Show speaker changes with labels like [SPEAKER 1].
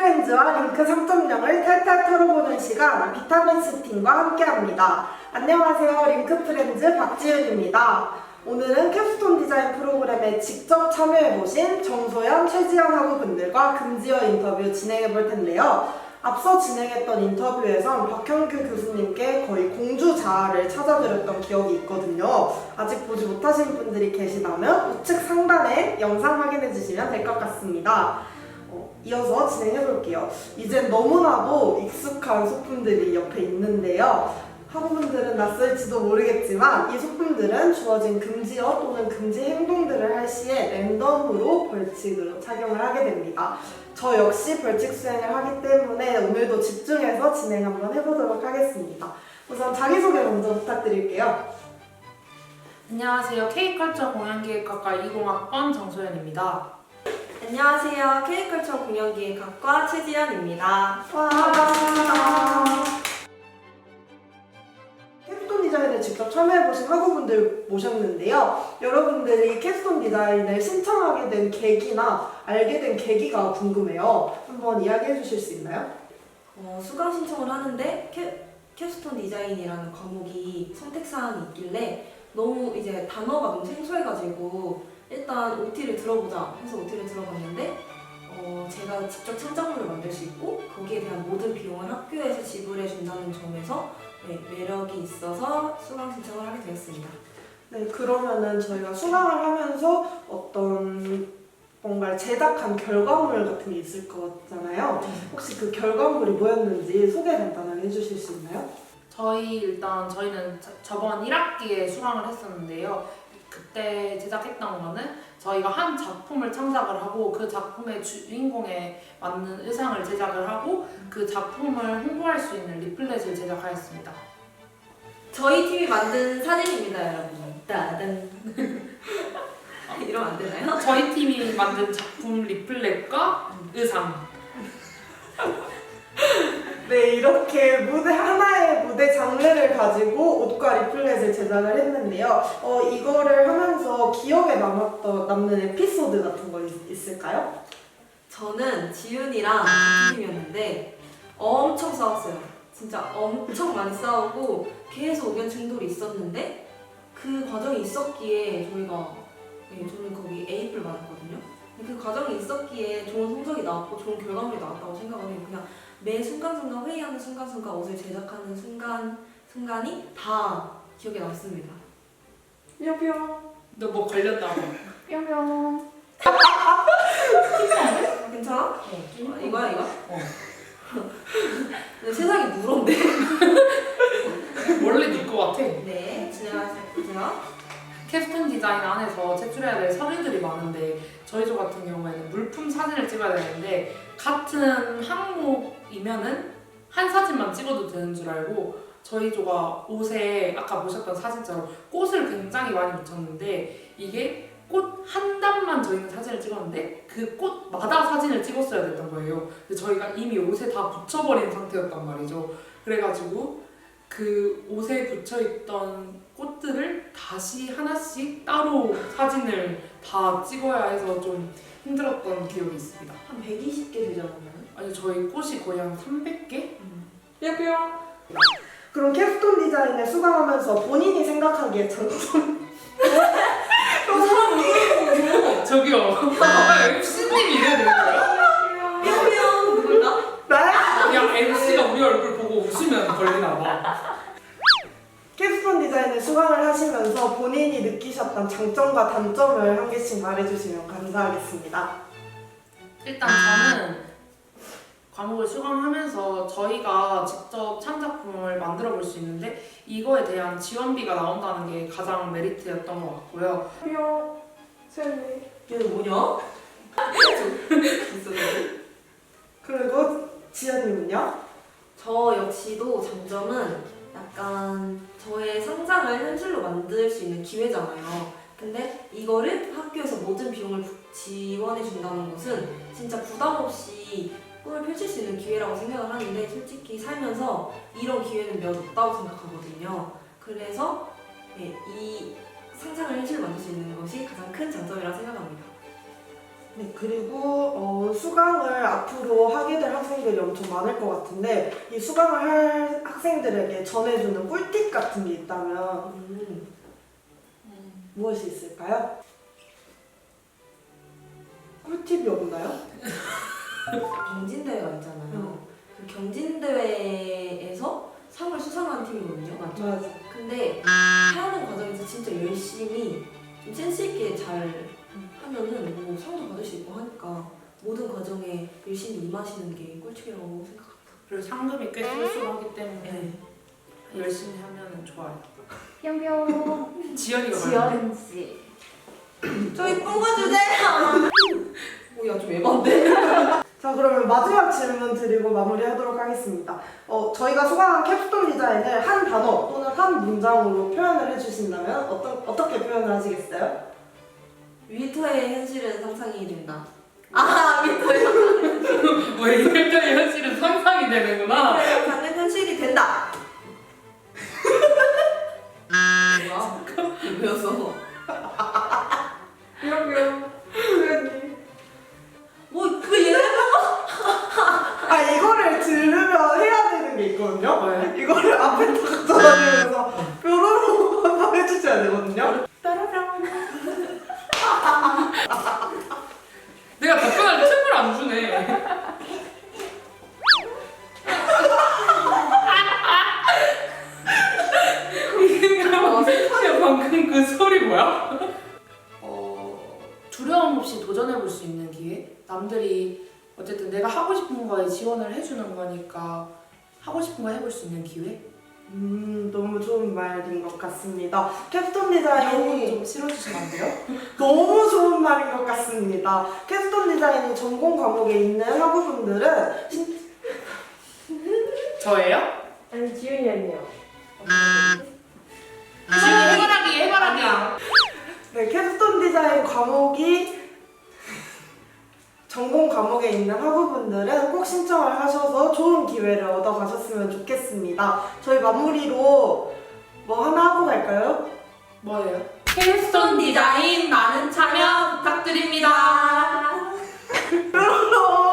[SPEAKER 1] 프렌즈와 링크 3.0을 탈탈 털어보는 시간 비타민스 팀과 함께합니다. 안녕하세요. 링크 프렌즈 박지윤입니다. 오늘은 캡스톤 디자인 프로그램에 직접 참여해보신 정소연, 최지연 학우분들과 금지어 인터뷰 진행해볼 텐데요. 앞서 진행했던 인터뷰에선 박형규 교수님께 거의 공주자를 찾아드렸던 기억이 있거든요. 아직 보지 못하신 분들이 계시다면 우측 상단에 영상 확인해주시면 될 것 같습니다. 이어서 진행해볼게요. 이젠 너무나도 익숙한 소품들이 옆에 있는데요. 학우분들은 낯설지도 모르겠지만 이 소품들은 주어진 금지어 또는 금지 행동들을 할 시에 랜덤으로 벌칙으로 착용을 하게 됩니다. 저 역시 벌칙 수행을 하기 때문에 오늘도 집중해서 진행 한번 해보도록 하겠습니다. 우선 자기소개 먼저 부탁드릴게요.
[SPEAKER 2] 안녕하세요. K컬처 공연기획학과 20학번 정소연입니다.
[SPEAKER 3] 안녕하세요. K컬처 공연기획학과 최지연입니다.
[SPEAKER 1] 와, 반갑습니다. 캡스톤 디자인을 직접 참여해보신 학우분들 모셨는데요. 여러분들이 캡스톤 디자인을 신청하게 된 계기나 알게 된 계기가 궁금해요. 한번 이야기해 주실 수 있나요?
[SPEAKER 3] 수강 신청을 하는데 캡스톤 디자인이라는 과목이 선택사항이 있길래 너무 이제 단어가 너무 생소해가지고 일단 OT를 들어보자 해서 OT를 들어봤는데 제가 직접 창작물을 만들 수 있고 거기에 대한 모든 비용을 학교에서 지불해 준다는 점에서 매력이 있어서 수강 신청을 하게 되었습니다.
[SPEAKER 1] 네, 그러면은 저희가 수강을 하면서 어떤 뭔가를 제작한 결과물 같은 게 있을 거잖아요. 혹시 그 결과물이 뭐였는지 소개 간단하게 해주실 수 있나요?
[SPEAKER 2] 저희는 저번 1학기에 수강을 했었는데요. 그때 제작했던 거는 저희가 한 작품을 창작을 하고 그 작품의 주인공에 맞는 의상을 제작을 하고 그 작품을 홍보할 수 있는 리플렛을 제작하였습니다.
[SPEAKER 3] 저희 팀이 만든 사진입니다, 여러분. 따단. 이러면 안 되나요?
[SPEAKER 2] 저희 팀이 만든 작품 리플렛과 의상.
[SPEAKER 1] 네, 이렇게 하나의 무대 장르를 가지고 옷과 리플렛을 제작을 했는데요. 이거를 하면서 기억에 남는 에피소드 같은 거 있을까요?
[SPEAKER 3] 저는 지윤이랑 같은 팀이었는데 엄청 싸웠어요. 진짜 엄청 많이 싸우고 계속 의견 충돌이 있었는데 그 과정이 있었기에 저는 거기 A를 받았거든요. 그 과정이 있었기에 좋은 성적이 나왔고 좋은 결과물이 나왔다고 생각을 해요. 그냥 매 순간순간 회의하는 순간순간 옷을 제작하는 순간이 다 기억에 남습니다.
[SPEAKER 1] 뿅뿅.
[SPEAKER 2] 너 뭐 걸렸다고?
[SPEAKER 1] 뿅뿅.
[SPEAKER 3] 괜찮아? 이거야 이거?
[SPEAKER 2] 어.
[SPEAKER 3] 근데 세상이 무서운데?
[SPEAKER 2] 원래 네 거 같아.
[SPEAKER 3] 네, 진행하세요.
[SPEAKER 2] 캡스톤 디자인 안에서 제출해야 될 서류들이 많은데 저희 조 같은 경우에는 물품 사진을 찍어야 되는데 같은 항목이면은 한 사진만 찍어도 되는 줄 알고 저희 조가 옷에 아까 보셨던 사진처럼 꽃을 굉장히 많이 묻혔는데 이게 꽃 한 단만 저희는 사진을 찍었는데 그 꽃마다 사진을 찍었어야 됐던 거예요. 근데 저희가 이미 옷에 다 붙여버린 상태였단 말이죠. 그래가지고 그 옷에 붙여있던 꽃들을 다시 하나씩 따로 사진을 다 찍어야 해서 좀 힘들었던 기억이 있습니다.
[SPEAKER 3] 한 120개 되지 않았나요?
[SPEAKER 2] 아니 저희 꽃이 거의 한 300개?
[SPEAKER 1] 뿅뿅. 그럼 캡스톤 디자인에 수강하면서 본인이 생각하기에 장점
[SPEAKER 2] 저기요. MC님이 이래야 되는 거야?
[SPEAKER 3] 뿅뿅 누굴까?
[SPEAKER 1] 네?
[SPEAKER 2] 그냥 MC가 우리 얼굴 보고 웃으면 걸리나 봐.
[SPEAKER 1] 캡스톤 디자인에 수강을 하시면서 본인이 느끼셨던 장점과 단점을 한 개씩 말해주시면 감사하겠습니다.
[SPEAKER 2] 일단 저는 과목을 수강하면서 저희가 직접 창작품을 만들어 볼 수 있는데 이거에 대한 지원비가 나온다는 게 가장 메리트였던 것 같고요.
[SPEAKER 1] 뿅. 세연이.
[SPEAKER 3] 얘는 뭐냐?
[SPEAKER 1] 그리고 지연님은요?
[SPEAKER 3] 저 역시도 장점은 약간 저의 상상을 현실로 만들 수 있는 기회잖아요. 근데 이거를 학교에서 모든 비용을 지원해 준다는 것은 진짜 부담 없이 꿈을 펼칠 수 있는 기회라고 생각을 하는데 솔직히 살면서 이런 기회는 몇 없다고 생각하거든요. 그래서 이 상상을 현실로 만들 수 있는 것이 가장 큰 장점이라고 생각합니다.
[SPEAKER 1] 네, 그리고 수강을 앞으로 하게 될 학생들이 엄청 많을 것 같은데 이 수강을 할 학생들에게 전해주는 꿀팁 같은 게 있다면 무엇이 있을까요? 꿀팁이 없나요?
[SPEAKER 3] 경진대회가 있잖아요. 그 경진대회에서 상을 수상한 팀이거든요. 맞죠?
[SPEAKER 1] 맞아.
[SPEAKER 3] 근데 하는 과정에서 진짜 열심히 좀 센스 있게 잘 하면은 뭐 상도 받을 수 있고 하니까 모든 과정에 열심히 임하시는 게 꿀팁이라고 생각합니다.
[SPEAKER 2] 그리고 상금이 꽤 쏠쏠하기 때문에
[SPEAKER 3] 네.
[SPEAKER 2] 열심히 하면 좋아요.
[SPEAKER 4] 뿅뿅.
[SPEAKER 2] 지연이가 말했네.
[SPEAKER 4] 지연 씨.
[SPEAKER 3] 저 이쁜 거 주세요. 오야 좀 에반데?
[SPEAKER 1] 자, 그러면 마지막 질문 드리고 마무리하도록 하겠습니다. 저희가 수강한 캡스톤 디자인을 한 단어 또는 한 문장으로 표현을 해주신다면 어떻게 표현을 하시겠어요?
[SPEAKER 3] 위터의 현실은 상상이 된다. 아 위터의 현실은
[SPEAKER 2] 왜 이럴때 현실은 상상이 되는구나.
[SPEAKER 3] 가는 현실이 된다. 뭐야? 배웠어.
[SPEAKER 1] 뿅뿅. 수연님.
[SPEAKER 3] 뭐왜 얘?
[SPEAKER 1] 아, 이거를 들으면 해야 되는 게 있거든요?
[SPEAKER 2] 뭐예요?
[SPEAKER 1] 이거를 앞에 딱 전화드리면서 뾰로로 한번 해주셔야 되거든요? 따라랑.
[SPEAKER 2] 내가 답변할 틈을 안 주네. 야, 방금 그 소리 뭐야? 두려움 없이 도전해볼 수 있는 기회? 남들이 어쨌든 내가 하고 싶은 거에 지원을 해주는 거니까 하고 싶은 거 해볼 수 있는 기회?
[SPEAKER 1] 너무 좋은 말인 것 같습니다. 캡스톤
[SPEAKER 2] 이런
[SPEAKER 1] 디자인이
[SPEAKER 2] 좀 실어주시면 안 돼요?
[SPEAKER 1] 너무 좋은 말인 것 같습니다. 캡스톤 디자인이 전공 과목에 있는 학우분들은
[SPEAKER 2] 저예요?
[SPEAKER 4] 아니 지윤이 언니요.
[SPEAKER 2] 지금 해바라기.
[SPEAKER 1] 네, 캡스톤 디자인 과목이 전공 과목에 있는 학우분들은 꼭 신청을 하셔서 좋은 기회를 얻어가셨으면 좋겠습니다. 저희 마무리로 뭐 하나 하고 갈까요?
[SPEAKER 2] 뭐예요?
[SPEAKER 3] 캡스톤 디자인 많은 참여 부탁드립니다.
[SPEAKER 1] 뾰로로